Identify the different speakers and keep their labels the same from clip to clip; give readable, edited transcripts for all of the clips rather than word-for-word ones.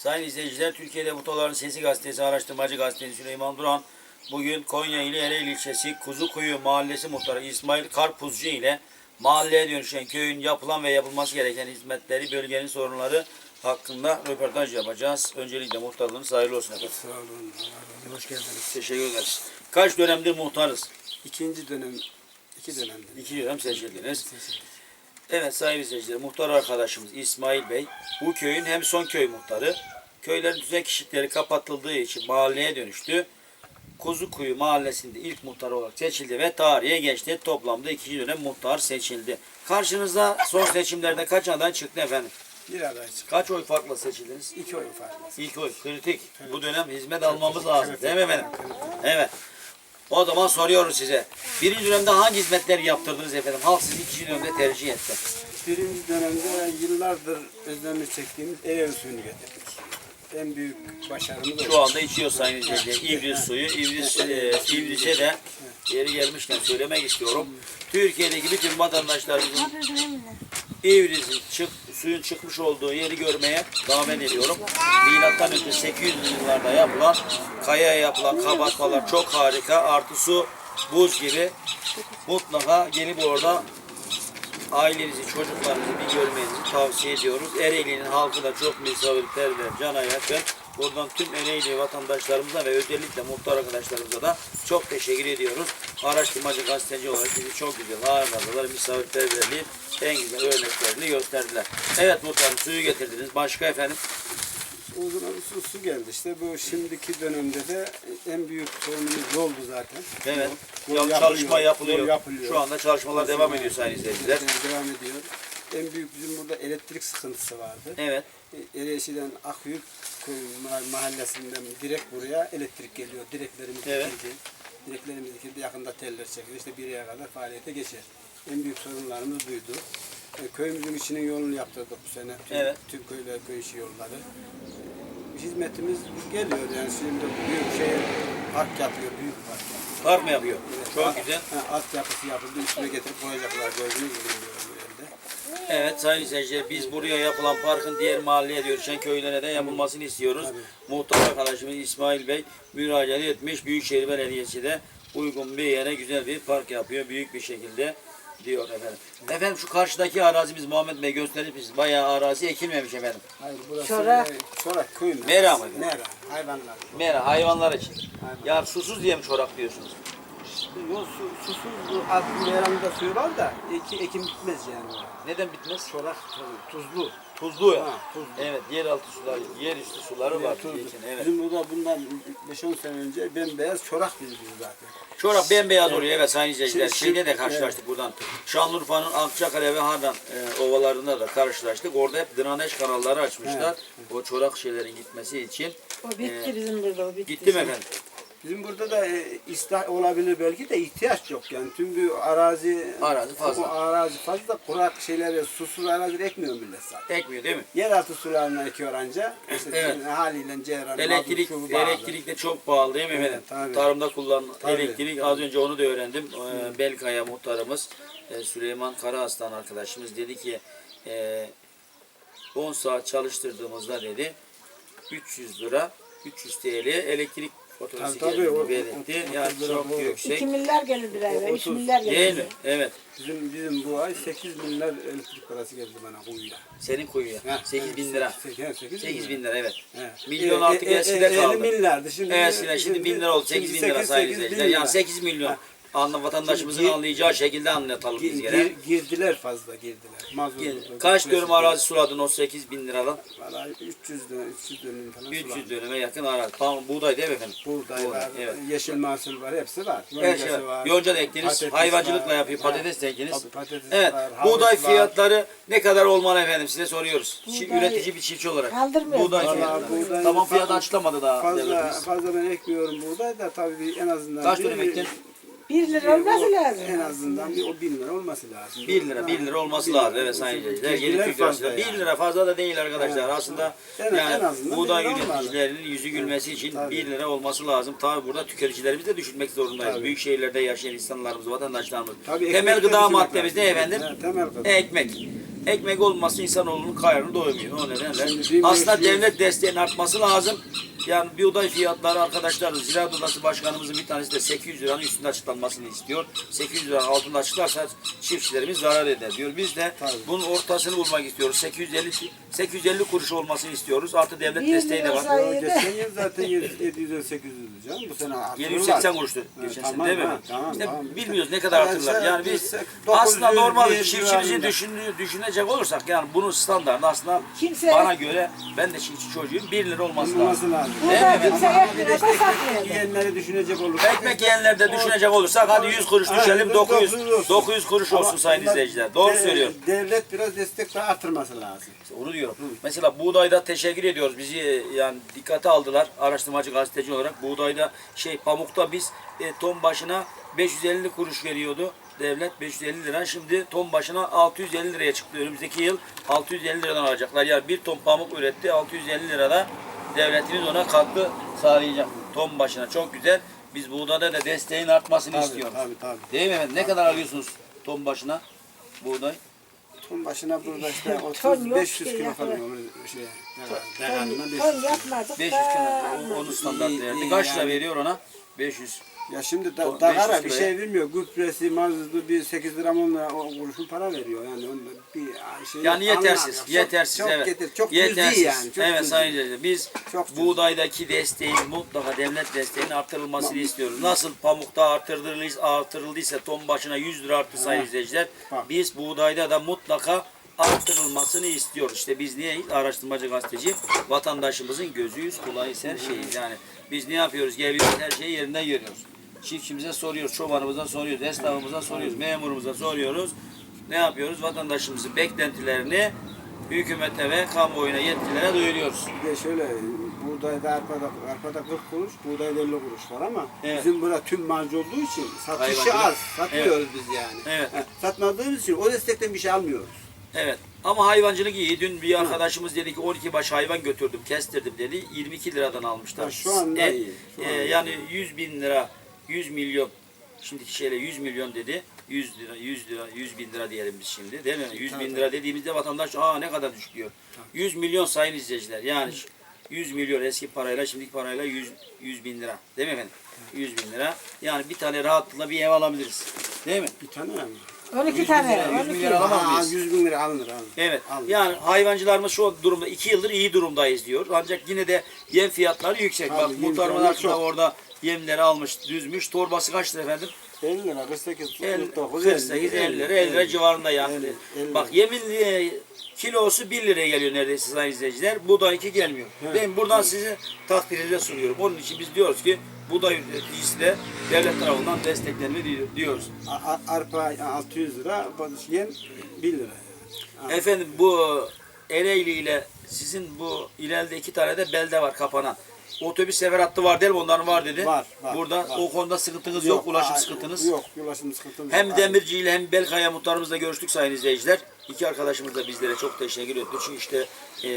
Speaker 1: Sayın izleyiciler, Türkiye'de Muhtarların Sesi Gazetesi, araştırmacı gazeteci Süleyman Duran bugün Konya ili Ereğli ilçesi Kuzukuyu Mahallesi Muhtarı İsmail Karpuzcu ile mahalleye dönüşen köyün yapılan ve yapılması gereken hizmetleri, bölgenin sorunları hakkında röportaj yapacağız. Öncelikle muhtarlığınız hayırlı olsun efendim.
Speaker 2: Sağ olun. Hoş geldiniz.
Speaker 1: Teşekkür ederiz. Kaç dönemdir muhtarız?
Speaker 2: İkinci dönem, iki dönemdir.
Speaker 1: 2 dönem seçildiniz. Evet sayın izleyiciler, muhtar arkadaşımız İsmail Bey bu köyün hem son köy muhtarı, köylerin düzen kişilikleri kapatıldığı için mahalleye dönüştü. Kuzukuyu mahallesinde ilk muhtar olarak seçildi ve tarihe geçti. Toplamda 2. dönem muhtar seçildi. Karşınızda son seçimlerde kaç aday çıktı efendim?
Speaker 2: Bir aday çıktı.
Speaker 1: Kaç oy farkla seçildiniz?
Speaker 2: 2 oy farklı.
Speaker 1: İlk oy kritik. Bu dönem hizmet almamız lazım. Değil mi efendim? Evet. O zaman soruyorum size. Birinci dönemde hangi hizmetleri yaptırdınız efendim? Halk sizi 2. dönemde tercih etti.
Speaker 2: Birinci dönemde yıllardır özlemini çektiğimiz Ereğli suyunu getirdik. En büyük başarımız
Speaker 1: Şu anda içiyor sayın izleyiciler. İvriz suyu. İvriz'e de yeri gelmişken söylemek istiyorum. Türkiye'deki bütün vatandaşlarımızın İvriz'in suyun çıkmış olduğu yeri görmeye davet ediyorum. Milattan önce 800'lü yıllarda yapılan, kayaya yapılan kabartmalar çok harika. Artı su buz gibi. Mutlaka gelip orada ailenizi, çocuklarınızı bir görmenizi tavsiye ediyoruz. Ereğli'nin halkı da çok misafirperver, cana yakın. Buradan tüm Ereğli vatandaşlarımıza ve özellikle muhtar arkadaşlarımıza da çok teşekkür ediyoruz. Araştırmacı gazeteci olarak bizi çok güzel ağırladılar. Misafirperverliğin en güzel örneklerini gösterdiler. Evet muhtarım, suyu getirdiniz. Başka efendim?
Speaker 2: O zaman su geldi işte. Bu şimdiki dönemde de en büyük sorunumuz yoldu zaten.
Speaker 1: Evet.
Speaker 2: Yol
Speaker 1: Çalışma yapılıyor.
Speaker 2: Yol yapılıyor.
Speaker 1: Şu anda çalışmalar devam ediyor sayın izleyiciler.
Speaker 2: Devam ediyor. En büyük bizim burada elektrik sıkıntısı vardı.
Speaker 1: Evet.
Speaker 2: Ereğli'den Akyurt mahallesinden direkt buraya elektrik geliyor. Direklerimiz
Speaker 1: Evet.
Speaker 2: dikildi. Direklerimiz dikildi. Yakında teller çekiyor. İşte bir aya kadar faaliyete geçer. En büyük sorunlarımız buydu. Köyümüzün içinin yolunu yaptırdık bu sene. Tüm köyler, köy içi yolları. Hizmetimiz geliyor yani şimdi büyük şehir park yapıyor, büyük park yapıyor.
Speaker 1: Park mı yapıyor?
Speaker 2: Evet,
Speaker 1: Çok güzel.
Speaker 2: Altyapısı yapıldı, üstüne getirip koyacaklar gördüğünüz gibi bu yerde.
Speaker 1: Evet sayın izleyiciler, biz buraya yapılan parkın diğer mahalleye dönüşen köylere de yapılmasını istiyoruz. Muhtar arkadaşımız İsmail Bey müracaat etmiş. Büyükşehir Belediyesi de uygun bir yere güzel bir park yapıyor. Büyük bir şekilde diyor efendim. Efendim şu karşıdaki arazimiz Muhammed Bey gösterir misiniz? Bayağı arazi ekilmemiş efendim.
Speaker 2: Hayır burası
Speaker 3: Çorak.
Speaker 2: köy mü?
Speaker 1: Mera mı?
Speaker 2: Mera, hayvanlar.
Speaker 1: Mera, hayvanlar için. Ya susuz diye mi çorak diyorsunuz?
Speaker 2: Yok susuz bu az meramda suyu var da ekim bitmez yani.
Speaker 1: Neden bitmez?
Speaker 2: Çorak tuzlu.
Speaker 1: Tuzlu ya.
Speaker 2: Tuzlu.
Speaker 1: Evet, yeraltı suları, yerüstü suları var.
Speaker 2: Tuzlu.
Speaker 1: Için, evet.
Speaker 2: Bizim burada bundan 5-10 sene önce bembeyaz çorak bildiğimiz zaten.
Speaker 1: Çorak bembeyaz oluyor evet sayın izleyiciler.
Speaker 2: Şimdi-
Speaker 1: Şeyde de karşılaştık buradan. Şanlıurfa'nın Akçakale ve Hardan ovalarında da karşılaştık. Orada hep draneş kanalları açmışlar. O çorak şeylerin gitmesi için.
Speaker 3: O bitti bizim burada, o bitti.
Speaker 1: Gitti mi efendim?
Speaker 2: Bizim burada da ıslah olabilir belki de ihtiyaç yok yani. Tüm bu arazi
Speaker 1: Fazla.
Speaker 2: Bu arazi fazla kurak şeyleri, susuz arazi ekmiyor millet zaten.
Speaker 1: Ekmiyor değil mi?
Speaker 2: Yeraltı sularına ekiyor anca. İşte
Speaker 1: Evet.
Speaker 2: haliyle ceyran,
Speaker 1: Elektrik de çok pahalı değil mi efendim?
Speaker 2: Evet, tabii.
Speaker 1: Tarımda kullanılan
Speaker 2: Tabii.
Speaker 1: elektrik az önce onu da öğrendim. Belkaya muhtarımız Süleyman Karaaslan arkadaşımız dedi ki 10 saat çalıştırdığımızda dedi 300 lira 300 TL elektrik faturası
Speaker 2: Tabii,
Speaker 1: geldiğini belirtti. Yani çok yüksek.
Speaker 3: 2 milyar gelir bir eve, 3
Speaker 2: 30.
Speaker 3: milyar gelir.
Speaker 1: Değil mi? Evet.
Speaker 2: Bizim bu ay 8 milyar elektrik parası geldi bana kuyuya.
Speaker 1: Senin kuyuya. 8 bin lira. 8 bin lira evet.
Speaker 2: Evet.
Speaker 1: Milyon artık eskide kaldı.
Speaker 2: 50 milyardı şimdi.
Speaker 1: Eskiden şimdi 1000 lira oldu. 8 bin lira sayın izleyiciler. Yani 8 milyon. Vatandaşımızın
Speaker 2: Şimdi
Speaker 1: anlayacağı şekilde anlatalım biz gene.
Speaker 2: Girdiler fazla girdiler.
Speaker 1: Kaç dönüm arazi suladın o 8 bin liradan?
Speaker 2: Vallahi 300 dönüm falan
Speaker 1: 300 dönüme yakın arazi. Tamam buğday değil mi efendim?
Speaker 2: Buğday var,
Speaker 1: evet.
Speaker 2: yeşil mahsul var, hepsi var.
Speaker 1: Her şey var. Yonca da ektiniz,
Speaker 2: patates
Speaker 1: hayvancılıkla
Speaker 2: var.
Speaker 1: yapıyor, patates de ektiniz.
Speaker 2: Tabii, patates
Speaker 1: Evet,
Speaker 2: var, havuç
Speaker 1: buğday
Speaker 2: var.
Speaker 1: fiyatları ne kadar olmalı efendim size soruyoruz.
Speaker 3: Buğday
Speaker 1: Üretici bir çiftçi olarak.
Speaker 3: kaldırmıyor.
Speaker 1: Buğday
Speaker 2: Vallahi
Speaker 1: fiyatları.
Speaker 2: buğday-
Speaker 1: Tamam fiyat açıklamadı daha devletimiz.
Speaker 2: Fazla ben ekmiyorum buğday da tabii en azından.
Speaker 1: Kaç dönüm ektin?
Speaker 3: 1 lira olması lazım.
Speaker 2: En azından o 1000 lira olması lazım.
Speaker 1: 1 lira olması lazım evet sayın izleyiciler. Yeni
Speaker 2: Girdiler
Speaker 1: Türk
Speaker 2: fazla
Speaker 1: lirası. 1
Speaker 2: yani.
Speaker 1: lira fazla da değil arkadaşlar.
Speaker 2: Evet.
Speaker 1: Aslında
Speaker 2: En
Speaker 1: yani
Speaker 2: azından
Speaker 1: buğday
Speaker 2: 1 lira olmalı.
Speaker 1: üreticilerinin yüzü gülmesi için
Speaker 2: Tabii.
Speaker 1: 1 lira olması lazım. Tabi burada tüketicilerimizi de düşünmek zorundayız.
Speaker 2: Tabii.
Speaker 1: Büyük şehirlerde yaşayan insanlarımız, vatandaşlarımız.
Speaker 2: Tabii
Speaker 1: Temel
Speaker 2: ekmek de
Speaker 1: gıda
Speaker 2: düşünmek
Speaker 1: maddemiz ne
Speaker 2: lazım.
Speaker 1: efendim?
Speaker 2: Evet, temel gıda.
Speaker 1: Ekmek. Ekmek olmazsa insanoğlunun karnını doymuyor. O nedenle
Speaker 2: Şimdi
Speaker 1: aslında
Speaker 2: 1500
Speaker 1: devlet desteğinin artması lazım. Yani buğday fiyatları arkadaşlar Ziraat Odası Başkanımızın bir tanesi de 800 liranın üstünde açıklanmasını istiyor. 800 liranın altında açıklarsa çiftçilerimiz zarar eder diyor. Biz de bunun ortasını bulmak istiyoruz. 850 kuruş olmasını istiyoruz. Artı devlet
Speaker 3: Bir
Speaker 1: desteği de
Speaker 3: lira
Speaker 1: var.
Speaker 3: sayı-
Speaker 2: Geçen yıl zaten 700-800'dü canım. Bu sene artırırlar.
Speaker 1: 780 kuruştu geçen sene
Speaker 2: Tamam,
Speaker 1: değil mi?
Speaker 2: ha, tamam,
Speaker 1: İşte
Speaker 2: tamam.
Speaker 1: bilmiyoruz ne kadar artırırlar. Yani biz
Speaker 2: 900
Speaker 1: aslında normal
Speaker 2: bir
Speaker 1: çiftçimizi
Speaker 2: civarında.
Speaker 1: düşünecek olursak yani bunun standartı aslında
Speaker 3: Kimse-
Speaker 1: bana göre ben de çiftçi çocuğuyum 1 lira olması lazım.
Speaker 2: Olması lazım.
Speaker 3: Burada kimse ekmeğe de satmıyor.
Speaker 2: Yiyenleri düşünecek olursak.
Speaker 1: Ekmek yiyenler de düşünecek olursak hadi 100 kuruş düşelim 900
Speaker 2: olsun.
Speaker 1: 900 kuruş olsun
Speaker 2: Ama
Speaker 1: sayın
Speaker 2: bunlar
Speaker 1: izleyiciler. Doğru söylüyor.
Speaker 2: Devlet biraz destek daha artırması lazım.
Speaker 1: Onu diyorum. Mesela buğdayda teşekkür ediyoruz. Bizi yani dikkate aldılar araştırmacı gazeteci olarak. Buğdayda pamukta biz ton başına 550 kuruş veriyordu. Devlet 550 lira. Şimdi ton başına 650 liraya çıktı. Önümüzdeki yıl 650 liradan alacaklar. Yani bir ton pamuk üretti. 650 lirada devletimiz ona katkı sağlayacak. Ton başına. Çok güzel. Biz buğdayda da desteğin artmasını istiyoruz.
Speaker 2: Tabii.
Speaker 1: Değil mi efendim? Ne kadar alıyorsunuz ton başına buğday?
Speaker 2: Ton başına burada işte
Speaker 3: Ton
Speaker 2: 30
Speaker 3: yok
Speaker 2: 500
Speaker 3: ki
Speaker 2: kilo
Speaker 3: ya.
Speaker 2: falan değerli.
Speaker 3: Ton yapmadık
Speaker 1: 500
Speaker 3: da.
Speaker 1: kilo. Onun standart
Speaker 2: İyi,
Speaker 1: verdi.
Speaker 2: iyi
Speaker 1: Kaç lira
Speaker 2: yani.
Speaker 1: veriyor ona? 500.
Speaker 2: Ya şimdi
Speaker 1: Ton 500
Speaker 2: dağara bir
Speaker 1: kiloya.
Speaker 2: şey vermiyor. Gübresi, mazotu bir 8 lira 10 lira o kuruşun para veriyor. Yani onda bir şey
Speaker 1: Yani
Speaker 2: yok,
Speaker 1: yetersiz.
Speaker 2: anlam yok.
Speaker 1: Yetersiz
Speaker 2: çok,
Speaker 1: evet.
Speaker 2: Çok
Speaker 1: yetersiz.
Speaker 2: cüzi yani. Çok
Speaker 1: evet
Speaker 2: cüzi.
Speaker 1: sayın izleyiciler. Biz
Speaker 2: Çok cüzi.
Speaker 1: buğdaydaki desteğin mutlaka devlet desteğinin artırılmasını istiyoruz. Nasıl pamukta artırıldıysa ton başına 100 lira arttı sayın izleyiciler.
Speaker 2: Bak.
Speaker 1: Biz buğdayda da mutlaka arttırılmasını istiyoruz. İşte biz niye araştırmacı gazeteci vatandaşımızın gözüyüz, kulağıyız, her şeyiz. Yani biz ne yapıyoruz? Geliyoruz, her şeyi yerinden görüyoruz. Çiftçimize soruyoruz, çobanımıza soruyoruz, esnafımıza soruyoruz, memurumuza soruyoruz. Ne yapıyoruz? Vatandaşımızın beklentilerini hükümete ve kamuoyuna yetkililere duyuruyoruz.
Speaker 2: Bir de şöyle buğdayda arpada 40 kuruş, buğdayda 50 kuruş var ama
Speaker 1: Evet.
Speaker 2: bizim burada tüm malcı olduğu için satışı
Speaker 1: Hayvancılık.
Speaker 2: az. Satmıyoruz biz yani.
Speaker 1: Evet.
Speaker 2: Satmadığımız için o destekten bir şey almıyoruz.
Speaker 1: Evet. Ama hayvancılık iyi. Dün bir arkadaşımız dedi ki 12 baş hayvan götürdüm, kestirdim dedi. 22 liradan almışlar.
Speaker 2: Ha, şu anda iyi. Şu anda
Speaker 1: yani 100 bin lira, 100 milyon, şimdiki şeyle 100 milyon dedi. 100 lira, 100 bin lira diyelim biz şimdi. Değil mi? 100 bin lira dediğimizde vatandaş ne kadar düşük diyor. 100 milyon sayın izleyiciler. Yani 100 milyon eski parayla şimdiki parayla 100 bin lira. Değil mi efendim? 100 bin lira. Yani bir tane rahatlıkla bir ev alabiliriz. Değil mi?
Speaker 2: Bir tane mi?
Speaker 3: 12 tane.
Speaker 1: 100
Speaker 3: 12.
Speaker 1: milyar alamaz mıyız?
Speaker 2: 100 bin lira alınır.
Speaker 1: Evet.
Speaker 2: Alınır.
Speaker 1: Yani hayvancılarımız şu durumda 2 yıldır iyi durumdayız diyor. Ancak yine de yem fiyatları yüksek.
Speaker 2: Tabii,
Speaker 1: Bak
Speaker 2: yem
Speaker 1: muhtarımın
Speaker 2: fiyatları
Speaker 1: arkasında
Speaker 2: çok.
Speaker 1: orada yemleri almış, düzmüş. Torbası kaç lira efendim?
Speaker 2: 50 lira, 48, 49,
Speaker 1: 48, 50 lira, 50 lira civarında yani.
Speaker 2: 50.
Speaker 1: Bak yemin kilosu 1 liraya geliyor neredeyse sayın izleyiciler. Buğday 2 gelmiyor. Ben buradan sizi takdirinize sunuyorum. Onun için biz diyoruz ki buğday üreticisi de devlet tarafından desteklenme diyoruz.
Speaker 2: Arpa 600 lira, yem 1 lira.
Speaker 1: Efendim bu Ereğli ile sizin bu ileride 2 tane de belde var kapanan. Otobüs sefer hattı var değil mi? Onların var dedi.
Speaker 2: Var.
Speaker 1: Burada
Speaker 2: var.
Speaker 1: o konuda sıkıntınız yok, ulaşım sıkıntınız.
Speaker 2: Yok, ulaşım sıkıntımız
Speaker 1: Hem
Speaker 2: yok.
Speaker 1: Demirci ile hem Belkaya muhtarımızla görüştük sayın izleyiciler. İki arkadaşımız da bizlere çok teşekkür etti. Çünkü işte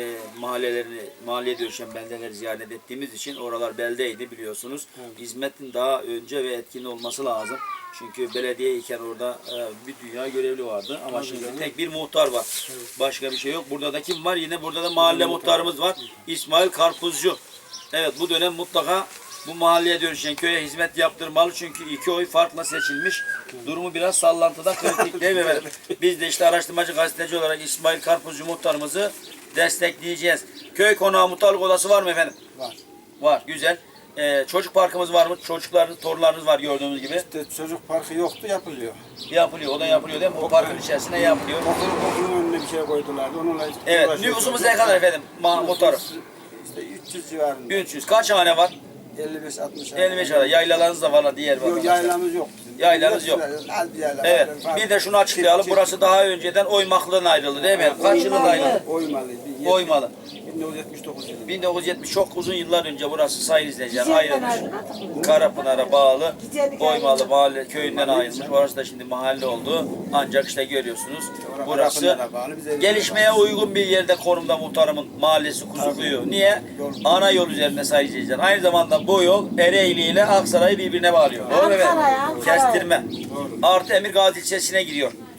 Speaker 1: mahalleye dönüşen beldeleri ziyaret ettiğimiz için oralar beldeydi biliyorsunuz.
Speaker 2: Evet.
Speaker 1: Hizmetin daha önce ve etkin olması lazım. Çünkü belediye iken orada bir dünya görevli vardı. Ama şimdi
Speaker 2: canım.
Speaker 1: tek bir muhtar var. Başka bir şey yok. Burada da kim var? Yine burada da mahalle muhtarımız var. İsmail Karpuzcu. Evet bu dönem mutlaka bu mahalleye dönüşen köye hizmet yaptırmalı. Çünkü 2 oy farkla seçilmiş. Durumu biraz sallantıda kritik değil mi efendim? Biz de işte araştırmacı gazeteci olarak İsmail Karpuzcu muhtarımızı destekleyeceğiz. Köy konağı muhtarlık odası var mı efendim?
Speaker 2: Var.
Speaker 1: Var. Güzel. Çocuk parkımız var mı? Çocuklarınız, torunlarınız var gördüğümüz gibi.
Speaker 2: İşte çocuk parkı yoktu, yapılıyor.
Speaker 1: Yapılıyor. O da yapılıyor değil mi? O parkın içerisinde yapılıyor.
Speaker 2: Okulun önüne bir şey koydular. Onunla
Speaker 1: Evet.
Speaker 2: uğraşıyoruz.
Speaker 1: Nüfusumuz ne kadar efendim? Muhtarım.
Speaker 2: İşte 300 civarında.
Speaker 1: 300. Kaç hane var?
Speaker 2: 55-60.
Speaker 1: 55 hane. Yaylalarınız da var diğer
Speaker 2: Yok,
Speaker 1: vatandaşlar.
Speaker 2: yaylamız yok bizim.
Speaker 1: Yaylamız yok.
Speaker 2: Az bir yayla.
Speaker 1: Evet.
Speaker 2: var.
Speaker 1: Bir de şunu açıklayalım. Burası daha önceden Oymaklı'dan ayrıldı değil mi? Kaç yılında ayrıldı?
Speaker 2: Oymalı.
Speaker 1: Oymalı.
Speaker 2: 1979 yılında.
Speaker 1: 1970 çok uzun yıllar önce burası sayın izleyiciler
Speaker 3: Güzelden
Speaker 1: ayrılmış.
Speaker 3: ayrılmadık.
Speaker 1: Karapınar'a bağlı
Speaker 3: Güzellik
Speaker 1: Oymalı
Speaker 3: ayrıldı.
Speaker 1: mahalle köyünden ayrılmış. Orası da şimdi mahalle oldu. Ancak işte görüyorsunuz burası
Speaker 2: Karapınar'a bağlı, bize
Speaker 1: gelişmeye uygun bir yerde konumda muhtarımın mahallesi Kuzukuyu. Niye? Ana yol üzerinde sayın izleyiciler. Aynı zamanda bu yol Ereğli ile Aksaray'ı birbirine bağlıyor. Doğru mu efendim?
Speaker 3: Ankara.
Speaker 1: Kestirme. Artı Emirgazi ilçesine giriyor.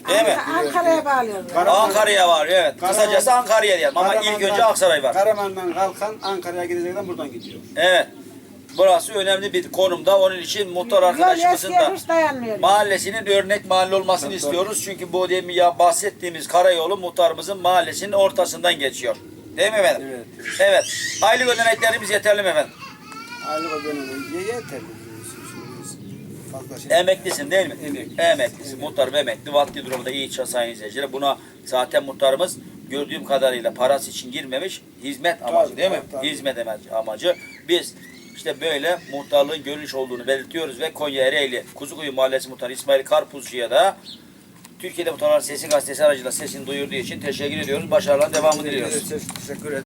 Speaker 1: Değil mi?
Speaker 3: Ankara'ya bağlıyorlar.
Speaker 1: Ankara'ya var evet. Kısacası Ankara'ya diyelim ama ilk önce Aksaray var.
Speaker 2: Karaman'dan kalkan Ankara'ya gidecekten buradan gidiyor.
Speaker 1: Evet. Burası önemli bir konumda. Onun için muhtar arkadaşımızın da
Speaker 3: Hiç dayanmıyor.
Speaker 1: mahallesinin örnek mahalle olmasını istiyoruz. Çünkü bu demin ya bahsettiğimiz karayolu muhtarımızın mahallesinin ortasından geçiyor. Değil mi efendim?
Speaker 2: Evet.
Speaker 1: Evet. Aylık ödeneklerimiz yeterli mi efendim?
Speaker 2: Aylık o dönemi yeterli. Fazla şey.
Speaker 1: Emeklisin değil mi?
Speaker 2: Emekli.
Speaker 1: Emeklisin. Muhtarım emekli. Vakti durumda iyi sayın izleyiciler. Buna zaten muhtarımız gördüğüm kadarıyla parası için girmemiş. Hizmet amacı
Speaker 2: Tabii,
Speaker 1: değil mi?
Speaker 2: tabii.
Speaker 1: Hizmet amacı. Biz işte böyle muhtarlığın görünüş olduğunu belirtiyoruz ve Konya Ereğli Kuzukuyu Mahallesi Muhtarı İsmail Karpuzcu'ya da Türkiye'de Muhtarlar Sesi gazetesi aracılığıyla sesini duyurduğu için teşekkür ediyoruz. Başarıların devamını diliyoruz.
Speaker 2: Teşekkür ederim.